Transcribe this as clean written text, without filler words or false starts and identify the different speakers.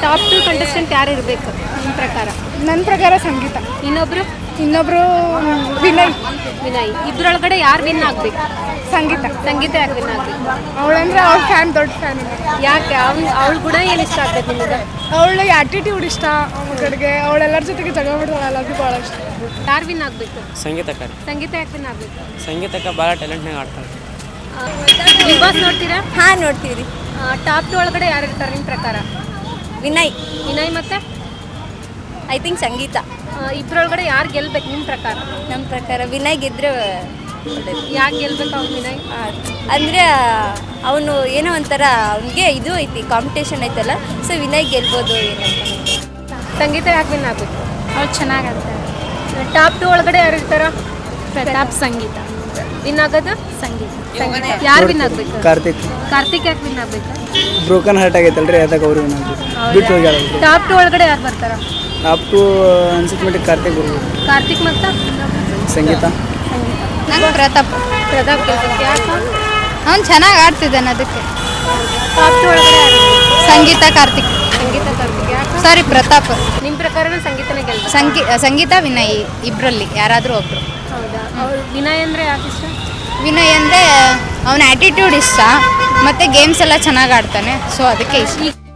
Speaker 1: Top 2 contestant ಯಾರು ಇರಬೇಕು ನಿಮ್ಮ ಪ್ರಕಾರ?
Speaker 2: ನನ್ನ ಪ್ರಕಾರ ಸಂಗೀತ. ಇನ್ನೊಬ್ರು
Speaker 1: ವಿನಯ್. ಇಬ್ಬರೊಳಗಡೆ ಯಾರು ವಿನ್ ಆಗಬೇಕು?
Speaker 2: ಸಂಗೀತ
Speaker 1: ಯಾಕೆ ವಿನ್ ಆಗಬೇಕು?
Speaker 2: ಅವಳಂದ್ರೆ ಅವ್ಳ ಫ್ಯಾನ್, ದೊಡ್ಡ ಫ್ಯಾನ್.
Speaker 1: ಯಾಕೆ ಅವಳ ಗುಣ ಏನು ಇಷ್ಟ ಆಗ್ಬೇಕು ನಿಮಗೆ?
Speaker 2: ಅವಳ ಆ್ಯಟಿಟ್ಯೂಡ್ ಇಷ್ಟ. ಅವಳ ಕಡೆಗೆ ಅವಳೆಲ್ಲರ ಜೊತೆಗೆ ಜಗಳ ಬಿಡ್ತಾಳಲ್ಲ, ಅದು ಭಾಳ ಇಷ್ಟ.
Speaker 1: ಯಾರು ವಿನ್ ಆಗಬೇಕು?
Speaker 3: ಸಂಗೀತಕ್ಕ
Speaker 1: ಯಾಕೆ ವಿನ್ ಆಗಬೇಕು?
Speaker 3: ಸಂಗೀತಕ್ಕ ಭಾಳ ಟ್ಯಾಲೆಂಟ್ನಾಗ ಆಡ್ತಾಳೆ.
Speaker 1: ಬಿಗ್ ಬಾಸ್ ನೋಡ್ತೀರಾ?
Speaker 4: ಹಾಂ ನೋಡ್ತೀವಿ.
Speaker 1: ಟಾಪ್ 2 ಒಳಗಡೆ ಯಾರು ಇರ್ತಾರೆ ನಿಮ್ಮ ಪ್ರಕಾರ? ವಿನಯ್ ಮತ್ತೆ
Speaker 4: ಐ ಥಿಂಕ್ ಸಂಗೀತ.
Speaker 1: ಇಬ್ಬರೊಳಗಡೆ ಯಾರು ಗೆಲ್ಬೇಕು ನಿಮ್ಮ ಪ್ರಕಾರ?
Speaker 4: ನಮ್ಮ ಪ್ರಕಾರ ವಿನಯ್ ಗೆದ್ರೆ
Speaker 1: ಯಾಕೆ ಗೆಲ್ಬೇಕು ಅವ್ನು ವಿನಯ್?
Speaker 4: ಅಂದರೆ ಅವನು ಏನೋ ಒಂಥರ ಅವನಿಗೆ ಇದು ಐತಿ, ಕಾಂಪಿಟೇಷನ್ ಐತಲ್ಲ, ಸೊ ವಿನಯ್ ಗೆಲ್ಬೋದು ಏನೋ.
Speaker 1: ಸಂಗೀತ ಯಾಕೆ ವಿನ್ ಆಗಬೇಕು?
Speaker 4: ಅವ್ರು ಚೆನ್ನಾಗಾಡ್ತಾರೆ.
Speaker 1: ಟಾಪ್ 2 ಒಳಗಡೆ ಯಾರು ಇರ್ತಾರ?
Speaker 4: ಸಂಗೀತ.
Speaker 1: ವಿನ್ ಆಗೋದು ಸಂಗೀತ. ಯಾರು ವಿನ್ ಆಗಬೇಕು? ಕಾರ್ತಿಕ್ ಯಾಕೆ ವಿನ್ ಆಗಬೇಕು?
Speaker 5: ಬ್ರೋಕನ್ ಹಾರ್ಟ್ ಆಗೈತಲ್ರಿ, ಅದಕ್ಕೆ ಅವ್ರು ವಿನ್ ಆಗ್ಬೇಕು. ಬಿಟ್ಟು ಹೋಗ್ಯಾರ.
Speaker 1: ಟಾಪ್ 2 ಒಳಗಡೆ ಯಾರು ಬರ್ತಾರ?
Speaker 5: ಟಾಪ್ 2 ಅನ್ಸಿದ ಮಟ್ಟಿಗೆ ಕಾರ್ತಿಕ್ ಬರ್ಬೋದು.
Speaker 1: ಕಾರ್ತಿಕ್ ಮತ್ತು
Speaker 5: ಸಂಗೀತ.
Speaker 4: ನಂಗೆ ಪ್ರತಾಪ್
Speaker 1: ಗೆಲ್ಬೇಕು. ಯಾಕೆ?
Speaker 4: ಅವ್ನು ಚೆನ್ನಾಗಿ ಆಡ್ತಿದ್ದಾನೆ, ಅದಕ್ಕೆ.
Speaker 1: ಟಾಪ್ 2 ಒಳಗಡೆ ಯಾರು?
Speaker 4: ಸಂಗೀತ ಕಾರ್ತಿಕ್.
Speaker 1: ಯಾಕೆ?
Speaker 4: ಸಾರಿ, ಪ್ರತಾಪ್.
Speaker 1: ನಿಮ್ಮ ಪ್ರಕಾರನ ಸಂಗೀತನೇ ಗೆಲ್ಬೇಕು?
Speaker 4: ಸಂಗೀತ ವಿನಯ್ ಇಬ್ಬರಲ್ಲಿ ಯಾರಾದರೂ ಒಬ್ಬರು.
Speaker 1: ಹೌದಾ? ವಿನಯ್ ಅಂದರೆ ಯಾಕೆ ಇಷ್ಟ?
Speaker 4: ವಿನಯ್ ಅಂದರೆ ಅವನ ಆ್ಯಟಿಟ್ಯೂಡ್ ಇಷ್ಟ, ಮತ್ತು ಗೇಮ್ಸ್ ಎಲ್ಲ ಚೆನ್ನಾಗಿ ಆಡ್ತಾನೆ, ಸೊ ಅದಕ್ಕೆ ಇಷ್ಟ.